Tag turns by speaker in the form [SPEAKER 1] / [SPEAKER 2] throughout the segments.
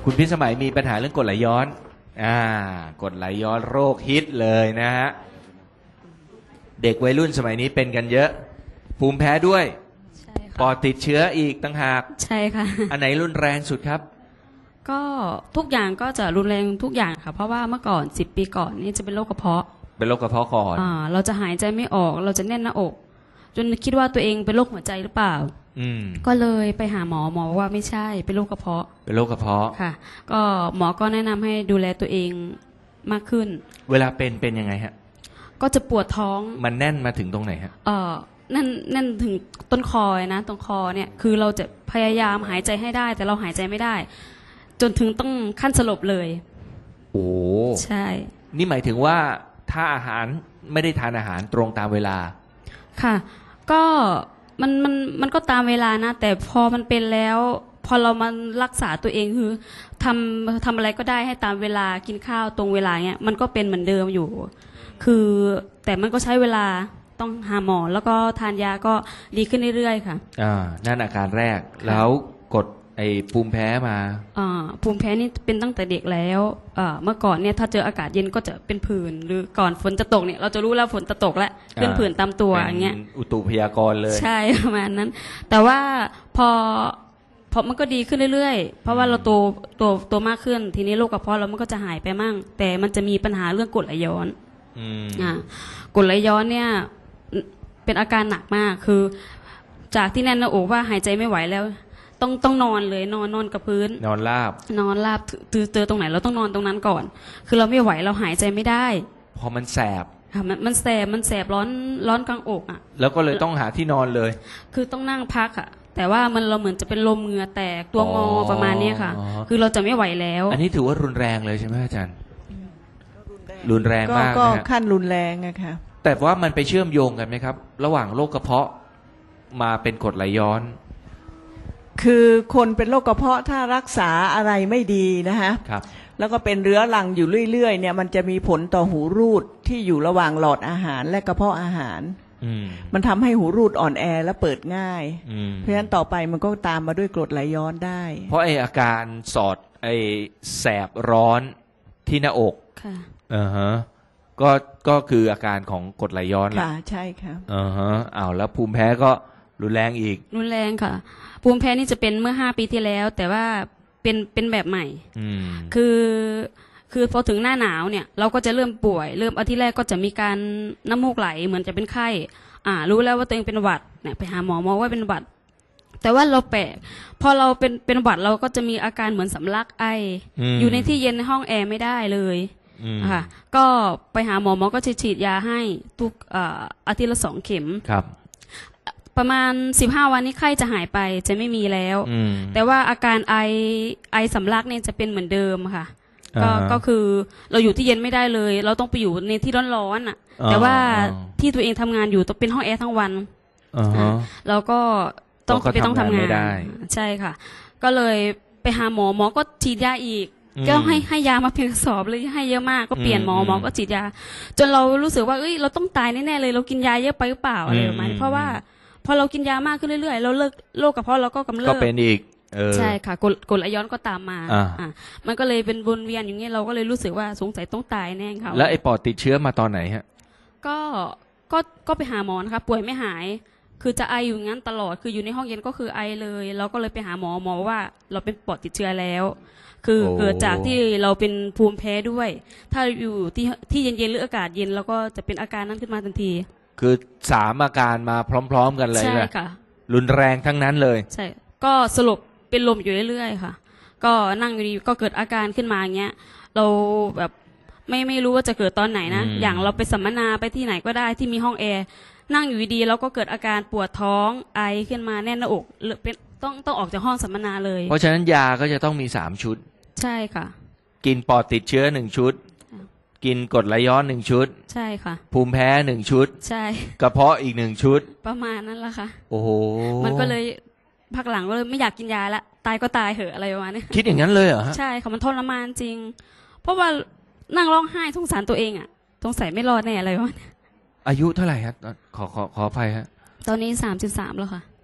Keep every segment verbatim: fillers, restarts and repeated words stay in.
[SPEAKER 1] คุณพิสมัยมีปัญหาเรื่องกรดไหลย้อนอ่ากรดไหลย้อนโรคฮิตเลยนะฮะเด็กวัยรุ่นสมัยนี้เป็นกันเยอะภูมิแพ้ด้วย
[SPEAKER 2] ใช่ค่ะ
[SPEAKER 1] ปอดติดเชื้ออีกต่างหาก
[SPEAKER 2] ใช่ค่ะ
[SPEAKER 1] อันไหนรุนแรงสุดครับ
[SPEAKER 2] ก็ทุกอย่างก็จะรุนแรงทุกอย่างค่ะเพราะว่าเมื่อก่อนสิบปีก่อนนี่จะเป็นโรคกระเพาะ
[SPEAKER 1] เป็นโรคกระเพาะก่อน
[SPEAKER 2] อ่าเราจะหายใจไม่ออกเราจะแน่นหน้าอกจนคิดว่าตัวเองเป็นโรคหัวใจหรือเปล่า
[SPEAKER 1] อืม
[SPEAKER 2] ก็เลยไปหาหมอหมอว่าไม่ใช่เป็นโรคกระเพาะ
[SPEAKER 1] เป็นโรคกระเพาะ
[SPEAKER 2] ค่ะก็หมอก็แนะนำให้ดูแลตัวเองมากขึ้น
[SPEAKER 1] เวลาเป็นเป็นยังไงฮะ
[SPEAKER 2] ก็จะปวดท้อง
[SPEAKER 1] มันแน่นมาถึงตรงไหนฮะ
[SPEAKER 2] เออนั่นนั่นถึงต้นคอนะตรงคอเนี่ยคือเราจะพยายามหายใจให้ได้แต่เราหายใจไม่ได้จนถึงต้องขั้นสลบเลย
[SPEAKER 1] โอ้
[SPEAKER 2] ใช่
[SPEAKER 1] นี่หมายถึงว่าถ้าอาหารไม่ได้ทานอาหารตรงตามเวลา
[SPEAKER 2] ค่ะก็มันมันมันก็ตามเวลานะแต่พอมันเป็นแล้วพอเรามารักษาตัวเองคือทำทำอะไรก็ได้ให้ตามเวลากินข้าวตรงเวลาเนี้ยมันก็เป็นเหมือนเดิมอยู่คือแต่มันก็ใช้เวลาต้องหาหมอแล้วก็ทานยาก็ดีขึ้นเรื่อยๆค่ะ
[SPEAKER 1] อ่านั่นอาการแรกแล้วกดไอ้ภูมิแพ้มา
[SPEAKER 2] อ่าภูมิแพ้นี่เป็นตั้งแต่เด็กแล้วอ่าเมื่อก่อนเนี่ยถ้าเจออากาศเย็นก็จะเป็นผื่นหรือก่อนฝนจะตกเนี่ยเราจะรู้แล้วฝนจะตกแล้วขึ้นผื่นตามตัวอย่างเงี้ย
[SPEAKER 1] อุตุพยากรณ์เลย
[SPEAKER 2] ใช่ประมาณนั้นแต่ว่าพอพอมันก็ดีขึ้นเรื่อยๆเพราะว่าเราโตโตโตมากขึ้นทีนี้โรคกระเพาะเรามันก็จะหายไปมั่งแต่มันจะมีปัญหาเรื่องกรดไหลย้อนอ่ากรดไหลย้อนเนี่ยเป็นอาการหนักมากคือจากที่แน่นหน้าอกว่าหายใจไม่ไหวแล้วต้องต้องนอนเลยนอนนอนกับพื้น
[SPEAKER 1] นอนราบ
[SPEAKER 2] นอนราบเจอเจอตรงไหนเราต้องนอนตรงนั้นก่อนคือเราไม่ไหวเราหายใจไม่ได้
[SPEAKER 1] พอมันแสบ
[SPEAKER 2] ค่ะมันมันแสบมันแสบร้อนร้อนกลางอกอ่ะ
[SPEAKER 1] แล้วก็เลยต้องหาที่นอนเลย
[SPEAKER 2] คือต้องนั่งพักอ่ะแต่ว่ามันเราเหมือนจะเป็นลมเหงื่อแตกตัวงอประมาณนี้ค่ะคือเราจะไม่ไหวแล้ว
[SPEAKER 1] อันนี้ถือว่ารุนแรงเลยใช่ไหมอาจารย์รุนแรงมาก
[SPEAKER 3] ก็ขั้นรุนแรงอะค่ะ
[SPEAKER 1] แต่ว่ามันไปเชื่อมโยงกันไหมครับระหว่างโรคกระเพาะมาเป็นกรดไหลย้อน
[SPEAKER 3] คือคนเป็นโรคกระเพาะถ้ารักษาอะไรไม่ดีนะฮะแล้วก็เป็นเรื้อรังอยู่เรื่อยๆเนี่ยมันจะมีผลต่อหูรูดที่อยู่ระหว่างหลอดอาหารและกระเพาะอาหารมันทำให้หูรูดอ่อนแอและเปิดง่ายเพราะฉะนั้นต่อไปมันก็ตามมาด้วยกรดไหลย้อนได้
[SPEAKER 1] เพราะไออาการสอดไอแสบร้อนที่หน้าอก
[SPEAKER 2] ค่ะ
[SPEAKER 1] อ่าฮะก็ก็คืออาการของกรดไหลย้อนแหละ
[SPEAKER 3] ค่ะใช่ค่ะ
[SPEAKER 1] อ่าฮะอ้าวแล้วภูมิแพ้ก็รุนแรงอีก
[SPEAKER 2] รุนแรงค่ะภูมิแพ้นี่จะเป็นเมื่อห้าปีที่แล้วแต่ว่าเป็นเป็นแบบใหม่คือคือพอถึงหน้าหนาวเนี่ยเราก็จะเริ่มป่วยเริ่มอาทิตย์แรกก็จะมีการน้ำมูกไหลเหมือนจะเป็นไข้อ่ารู้แล้วว่าตัวเองเป็นหวัดเนี่ยไปหาหมอหมอว่าเป็นหวัดแต่ว่าเราแปลกพอเราเป็นเป็นหวัดเราก็จะมีอาการเหมือนสำลักไออยู่ในที่เย็นในห้องแอร์ไม่ได้เลยค่ะก็ไปหาหมอหมอก็จะฉีดยาให้ทุกอาทิตย์ละสองเข็ม
[SPEAKER 1] ครับ
[SPEAKER 2] ประมาณสิบห้าวันนี้ไข้จะหายไปจะไม่มีแล้วแต่ว่าอาการไอไอสำลักเนี่ยจะเป็นเหมือนเดิมค่ะก็ก็คือเราอยู่ที่เย็นไม่ได้เลยเราต้องไปอยู่ในที่ร้อนๆอ่ะแต่ว่าที่ตัวเองทำงานอยู่ต้องเป็นห้องแอร์ทั้งวันเราก็ต้องไปต้องทำงานใช่ค่ะก็เลยไปหาหมอหมอก็ฉีดยาอีกก็ให้ให้ยามาเพียงกระสอบเลยให้เยอะมากก็เปลี่ยนหมอหมอก็ฉีดยาจนเรารู้สึกว่าเอ้ยเราต้องตายแน่ๆเลยเรากินยาเยอะไปหรือเปล่าอะไรประมาณนี้เพราะว่าพอเรากินยามากขึ้นเรื่อยๆเราเลิกโรคกระเพาะเราก็กำเริบ
[SPEAKER 1] ก็เป็นอีก
[SPEAKER 2] ใช่ค่ะกรดกรดไหลย้อนก็ตามมาอ่ามันก็เลยเป็นวนเวียนอย่างนี้เราก็เลยรู้สึกว่าสงสัยต้องตายแน่ค่ะ
[SPEAKER 1] แล้วไอ้ปอดติดเชื้อมาตอนไหนฮะ
[SPEAKER 2] ก็ก็ก็ไปหาหมอนะคะป่วยไม่หายคือจะไออยู่งั้นตลอดคืออยู่ในห้องเย็นก็คือไอเลยเราก็เลยไปหาหมอหมอว่าเราเป็นปอดติดเชื้อแล้วคือเกิดจากที่เราเป็นภูมิแพ้ด้วยถ้าอยู่ที่ที่เย็นๆหรืออากาศเย็นเราก็จะเป็นอาการนั้นขึ้นมาทันที
[SPEAKER 1] คือสามอาการมาพร้อมๆกันเลยใช่ค่ะรุนแรงทั้งนั้นเลย
[SPEAKER 2] ใช่ก็สรุปเป็นลมอยู่เรื่อยๆค่ะก็นั่งอยู่ดีก็เกิดอาการขึ้นมาอย่างเงี้ยเราแบบไม่ไม่รู้ว่าจะเกิดตอนไหนนะอย่างเราไปสัมมนาไปที่ไหนก็ได้ที่มีห้องแอร์นั่งอยู่ดีๆเราก็เกิดอาการปวดท้องไอขึ้นมาแน่นหน้าอกหรือเป็นต้องต้องออกจากห้องสัมมนาเลย
[SPEAKER 1] เพราะฉะนั้นยาก็จะต้องมีสามชุด
[SPEAKER 2] ใช่ค่ะ
[SPEAKER 1] กินปอดติดเชื้อหนึ่งชุดกินกรดไหลย้อนหนึ่งชุด
[SPEAKER 2] ใช่ค่ะ
[SPEAKER 1] ภูมิแพ้หนึ่งชุด
[SPEAKER 2] ใช่
[SPEAKER 1] กระเพาะอีกหนึ่งชุด
[SPEAKER 2] ประมาณนั้นแหละค่ะ
[SPEAKER 1] โอ้โห
[SPEAKER 2] มันก็เลยพักหลังก็เลยไม่อยากกินยาละตายก็ตายเหอะอะไรประมาณนี้
[SPEAKER 1] คิดอย่างนั้นเลยเหรอ
[SPEAKER 2] ใช่ค่ะมันทรมานจริงเพราะว่านั่งร้องไห้สงสารตัวเองอ่ะสงสัยไม่รอดแน่อะไรวะ
[SPEAKER 1] อายุเท่าไหร่ครับขอขอขออภัยฮะ
[SPEAKER 2] ตอนนี้สามสิบสามแล้วค่ะ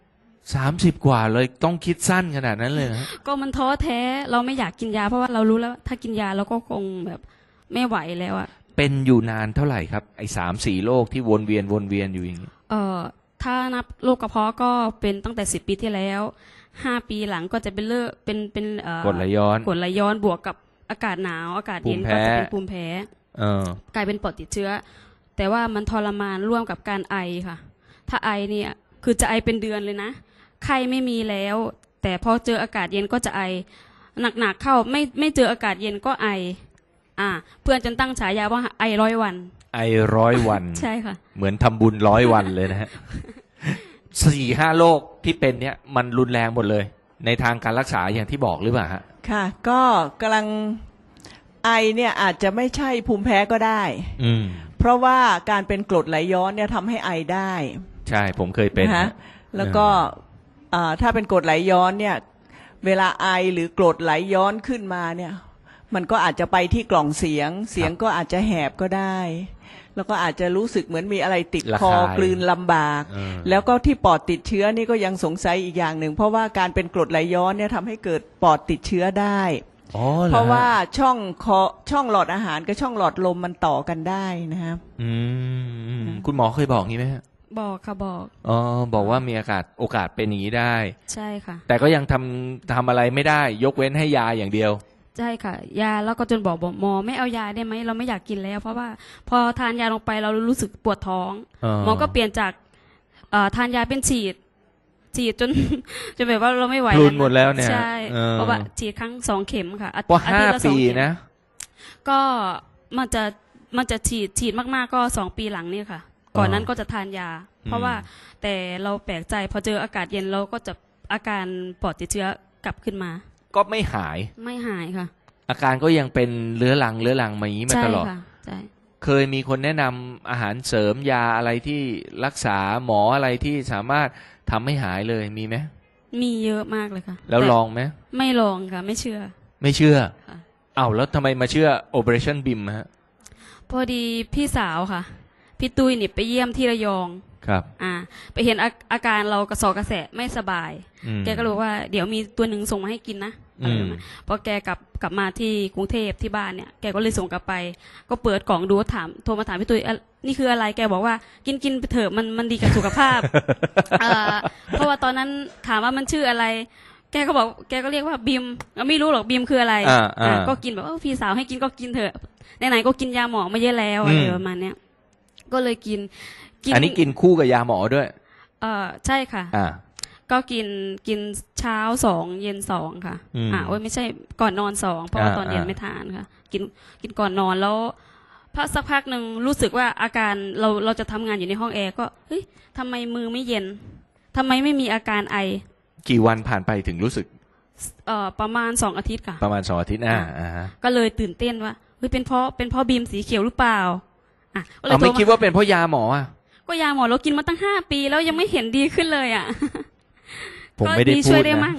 [SPEAKER 1] สามสิบกว่าเลยต้องคิดสั้นขนาดนั้นเลยนะ
[SPEAKER 2] ก็มันท้อแท้เราไม่อยากกินยาเพราะว่าเรารู้แล้วถ้ากินยาเราก็คงแบบไม่ไหวแล้วอะ
[SPEAKER 1] เป็นอยู่นานเท่าไหร่ครับไอ้สามสี่โรคที่วนเวียนวนเวียนอยู่อย่างนี้
[SPEAKER 2] เอ่อถ้านับโรคกระเพาะก็เป็นตั้งแต่สิบปีที่แล้วห้าปีหลังก็จะเป็นเลือดเป็นเป็นเอ่อก
[SPEAKER 1] รดไหลย้อน
[SPEAKER 2] กรดไหลย้อนบวกกับอากาศหนาวอากาศเย็นก็จะเป็นภูมิแพ้
[SPEAKER 1] เออก
[SPEAKER 2] ลายเป็นปอดติดเชื้อแต่ว่ามันทรมานร่วมกับการไอค่ะถ้าไอเนี่ยคือจะไอเป็นเดือนเลยนะไข้ไม่มีแล้วแต่พอเจออากาศเย็นก็จะไอหนักๆเข้าไม่ไม่เจออากาศเย็นก็ไออ่าเพื่อนจนตั้งฉายาว่าไอร้อยวัน
[SPEAKER 1] ไอร้อยวัน
[SPEAKER 2] ใช่ค่ะ
[SPEAKER 1] เหมือนทำบุญร้อยวันเลยนะฮะ สี่ห้าโรคที่เป็นเนี่ยมันรุนแรงหมดเลยในทางการรักษาอย่างที่บอกหรือเปล่าฮะ
[SPEAKER 3] ค่ะก็กำลังไอเนี่ยอาจจะไม่ใช่ภูมิแพ้ก็ได้อืมเพราะว่าการเป็นกรดไหลย้อนเนี่ยทำให้ไอได้
[SPEAKER 1] ใช่ผมเคยเป็น
[SPEAKER 3] นะแล้วก็ถ้าเป็นกรดไหลย้อนเนี่ยเวลาไอหรือกรดไหลย้อนขึ้นมาเนี่ยมันก็อาจจะไปที่กล่องเสียงเสียงก็อาจจะแหบก็ได้แล้วก็อาจจะรู้สึกเหมือนมีอะไรติดคอกลืนลำบากแล้วก็ที่ปอดติดเชื้อนี่ก็ยังสงสัยอีกอย่างหนึ่งเพราะว่าการเป็นกรดไหลย้อนเนี่ยทำให้เกิดปอดติดเชื้อได้เพราะว่าช่องคอช่องหลอดอาหารกับช่องหลอดลมมันต่อกันได้นะครับ
[SPEAKER 1] อืมคุณหมอเคยบอกงี้ไหมฮะ
[SPEAKER 2] บอกค่ะบอก
[SPEAKER 1] อ๋อบอกว่ามีอากาศโอกาสเป็นอย่างนี้ได้
[SPEAKER 2] ใช่ค่ะ
[SPEAKER 1] แต่ก็ยังทำทำอะไรไม่ได้ยกเว้นให้ยาอย่างเดียว
[SPEAKER 2] ใช่ค่ะยาแล้วก็จนบอกบอกหมอไม่เอายาได้ไหมเราไม่อยากกินแล้วเพราะว่าพอทานยาลงไปเรารู้สึกปวดท้องหมอก็เปลี่ยนจากทานยาเป็นฉีดฉีดจนจนแบบว่าเราไม่ไหว
[SPEAKER 1] พลุนหมดแล้วเนี่ย
[SPEAKER 2] ใช่เพราะว่าฉีดครั้งสองเข็มค่ะ
[SPEAKER 1] อาทิตย์ละสองเข็มนะ
[SPEAKER 2] ก็มันจะมันจะฉีดฉีดมากๆก็สองปีหลังนี่ค่ะก่อนนั้นก็จะทานยาเพราะว่าแต่เราแปลกใจพอเจออากาศเย็นเราก็จะอาการปอดติดเชื้อกลับขึ้นมา
[SPEAKER 1] ก็ไม่หาย
[SPEAKER 2] ไม่หายค่ะ
[SPEAKER 1] อาการก็ยังเป็นเรื้อรังเรื้อรังมาอย่างนี้มาตลอด
[SPEAKER 2] ใช่ค่ะใช่
[SPEAKER 1] เคยมีคนแนะนำอาหารเสริมยาอะไรที่รักษาหมออะไรที่สามารถทำให้หายเลยมีไหม
[SPEAKER 2] มีเยอะมากเลยค่ะ
[SPEAKER 1] แล้วลองไหม
[SPEAKER 2] ไม่ลองค่ะไม่เชื่อ
[SPEAKER 1] ไม่เชื่ออ้าวแล้วทำไมมาเชื่อ Operation บี เอ็ม ฮะ
[SPEAKER 2] พอดีพี่สาวค่ะพี่ตุ้ยนี่ไปเยี่ยมที่ระยอง
[SPEAKER 1] ครับ
[SPEAKER 2] อ่าไปเห็นอาอาการเรากระสอบกระแสะไม่สบายแกก็รู้ว่าเดี๋ยวมีตัวหนึ่งส่งมาให้กินนะพอแกกลับกลับมาที่กรุงเทพที่บ้านเนี่ยแกก็เลยส่งกลับไปก็เปิดกล่องดูถามโทรมาถามพี่ตุ้ยนี่คืออะไรแกบอกว่ากินกินไปเถอะมันมันดีกับสุขภาพ เพราะว่าตอนนั้นถามว่ามันชื่ออะไรแกก็บอกแกก็เรียกว่าบีมไม่รู้หรอกบีมคืออะไรก็กินแบบพี่สาวให้กินก็กินเถอะไหนๆก็กินยาหมอมาเยอะแล้วอะไรประมาณเนี้ยก็เลยกิน
[SPEAKER 1] อันนี้กินคู่กับยาหมอด้วย
[SPEAKER 2] เออใช่ค่ะก็กินกินเช้าสองเย็นสองค่ะอ่าโอ้ยไม่ใช่ก่อนนอนสองเพราะว่าตอนเย็นไม่ทานค่ะกินกินก่อนนอนแล้วพักสักพักหนึ่งรู้สึกว่าอาการเราเราจะทำงานอยู่ในห้องแอร์ก็เฮ้ยทำไมมือไม่เย็นทำไมไม่มีอาการไอ
[SPEAKER 1] กี่วันผ่านไปถึงรู้สึก
[SPEAKER 2] เอ่อประมาณสองอาทิตย์ค่ะ
[SPEAKER 1] ประมาณสองอาทิตย์อ่าอ่า
[SPEAKER 2] ก็เลยตื่นเต้นว่าเฮ้ยเป็นเพราะเป็นเพราะบีมสีเขียวหรือเปล่า
[SPEAKER 1] อ่ะเราไม่คิดว่าเป็นเพราะยาหมออ่ะ
[SPEAKER 2] ก็ยาหมอเรากินมาตั้งห้าปีแล้วยังไม่เห็นดีขึ้นเลยอ่ะ
[SPEAKER 1] ผมไม่ได้พูดนะ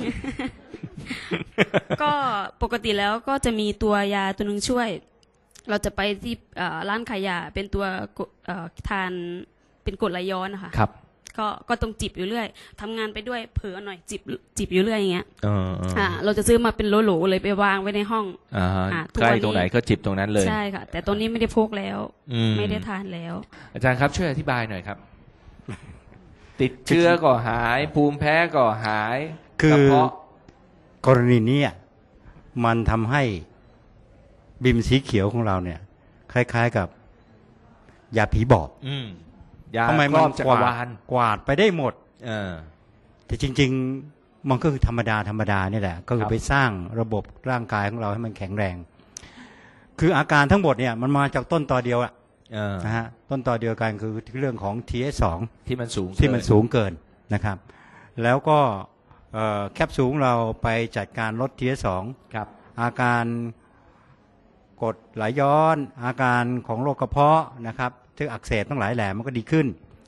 [SPEAKER 2] ก็ปกติแล้วก็จะมีตัวยาตัวหนึ่งช่วยเราจะไปที่ร้านขายยาเป็นตัวทานเป็นกรดไหลย้อนนะคะ
[SPEAKER 1] ครับ
[SPEAKER 2] ก็ก็ต้องจิบอยู่เรื่อยทำงานไปด้วยเผลอหน่อยจิบจิบอยู่เรื่อยอย่างเงี้ยอ่าเราจะซื้อมาเป็นโหลๆเลยไปวางไว้ในห้อง
[SPEAKER 1] อ่าใกล้ตรงไหนก็จิบตรงนั้นเลย
[SPEAKER 2] ใช่ค่ะแต่ตอนนี้ไม่ได้พกแล้วไม่ได้ทานแล้ว
[SPEAKER 1] อาจารย์ครับช่วยอธิบายหน่อยครับติดเชื้อก็หายภูมิแพ้ก็หาย
[SPEAKER 4] คือกรณีนี้มันทำให้บิมสีเขียวของเราเนี่ยคล้ายๆกับยาผีบอกทำไมมันกวาดกวาดไปได้หมดแต่จริงๆมันก็คือธรรมดาธรรมดานี่แหละก็คือไปสร้างระบบร่างกายของเราให้มันแข็งแรงคืออาการทั้งหมดเนี่ยมันมาจากต้นตอเดียวอะนะฮะต้นตอเดียวกันคือเรื่องของ ที เอส สอง
[SPEAKER 1] ที่มันสูง
[SPEAKER 4] ที่มันสูงเกินนะครับแล้วก็แคปซูลเราไปจัดการลด ที เอส สอง
[SPEAKER 1] ครับ
[SPEAKER 4] อาการกรดไหลย้อนอาการของโรคกระเพาะนะครับที่อักเสบทั้งหลายแหล่มันก็ดีขึ้น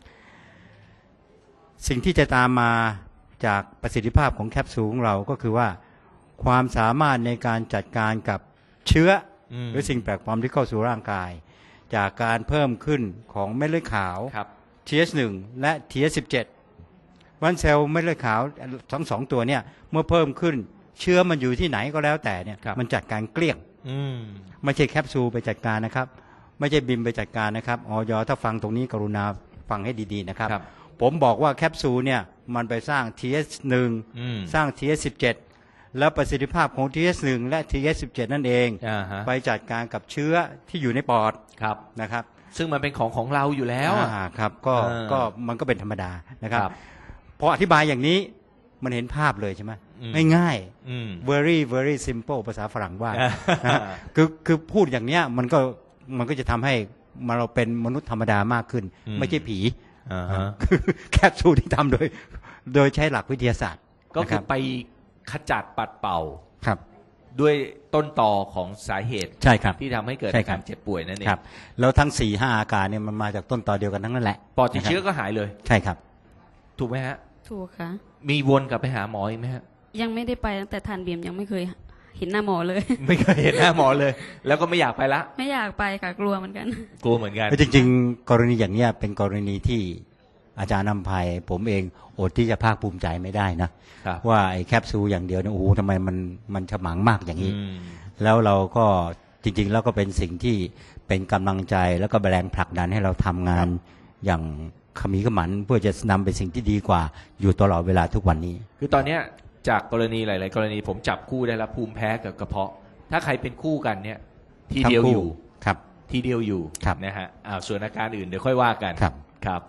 [SPEAKER 4] สิ่งที่จะตามมาจากประสิทธิภาพของแคปซูลของเราก็คือว่าความสามารถในการจัดการกับเชื้อหรือสิ่งแปลกปลอมที่เข้าสู่ร่างกายจากการเพิ่มขึ้นของเม็ดเลือดขาว ที เอช หนึ่ง และ ที เอช สิบเจ็ดวันเซลล์เม็ดเลือดขาวทั้งสองตัวเนี่ยเมื่อเพิ่มขึ้นเชื้อมันอยู่ที่ไหนก็แล้วแต่เนี่ยมันจัดการเกลี้ยงไม่ใช่แคปซูลไปจัดการนะครับไม่ใช่บิมไปจัดการนะครับออยถ้าฟังตรงนี้กรุณาฟังให้ดีๆนะครับผมบอกว่าแคปซูลเนี่ยมันไปสร้าง ที เอส หนึ่ง สร้าง ที เอส สิบเจ็ด แล้วประสิทธิภาพของ ที เอส หนึ่ง และ ที เอส สิบเจ็ด นั่นเองไปจัดการกับเชื้อที่อยู่ในปอดนะครับ
[SPEAKER 1] ซึ่งมันเป็นของของเราอยู่แล้ว
[SPEAKER 4] ครับก็ก็มันก็เป็นธรรมดานะครับพออธิบายอย่างนี้มันเห็นภาพเลยใช่ไหมง่ายๆ very very simple ภาษาฝรั่งว่าคือคือพูดอย่างเนี้ยมันก็มันก็จะทำให้เราเป็นมนุษย์ธรรมดามากขึ้นไม่ใช่ผีแคปซูลที่ทำโดยโดยใช้หลักวิทยาศาสตร์
[SPEAKER 1] ก็คือไปขจัดปัดเป่า
[SPEAKER 4] ครับ
[SPEAKER 1] ด้วยต้นตอของสาเหตุ
[SPEAKER 4] ใช่ครับ
[SPEAKER 1] ที่ทำให้เกิดอาการเจ็บป่วยนั่นเอง
[SPEAKER 4] ครับแล้วทั้ง สี่ห้า อาการเนี่ยมันมาจากต้นตอเดียวกันทั้งนั้นแหละ
[SPEAKER 1] ปอดติดเชื้อก็หายเลย
[SPEAKER 4] ใช่ครับ
[SPEAKER 1] ถูกไหมฮะ
[SPEAKER 2] ถูกค่ะ
[SPEAKER 1] มีวนกลับไปหาหมออีกไหมฮะ
[SPEAKER 2] ยังไม่ได้ไปตั้งแต่ทานเบียมยังไม่เคยเห็นหน้าหมอเลย
[SPEAKER 1] ไม่เคยเห็นหน้าหมอเลยแล้วก็ไม่อยากไปละ
[SPEAKER 2] ไม่อยากไปค่ะกลัวเหมือนกัน
[SPEAKER 1] กลัวเหมือนกัน
[SPEAKER 4] จริงๆกรณีอย่างเนี้ยเป็นกรณีที่อาจารย์นำภัยผมเองอดที่จะภาคภูมิใจไม่ได้นะว่าไอ้แคปซูลอย่างเดียวเนี่ยโอ้โหทำไมมันมันฉมังมากอย่างนี้แล้วเราก็จริงๆแล้วก็เป็นสิ่งที่เป็นกำลังใจแล้วก็แรงผลักดันให้เราทำงานอย่างขมีขมันเพื่อจะนำเป็นสิ่งที่ดีกว่าอยู่ตลอดเวลาทุกวันนี้
[SPEAKER 1] คือตอนเนี้ยจากกรณีหลายๆกรณีผมจับคู่ได้แล้วภูมิแพ้กับกระเพาะถ้าใครเป็นคู่กันเนี่ยทีเดียวอยู่
[SPEAKER 4] ครับ
[SPEAKER 1] ทีเดียวอยู่นะฮะอ้าวส่วนอาการอื่นเดี๋ยวค่อยว่ากันครับ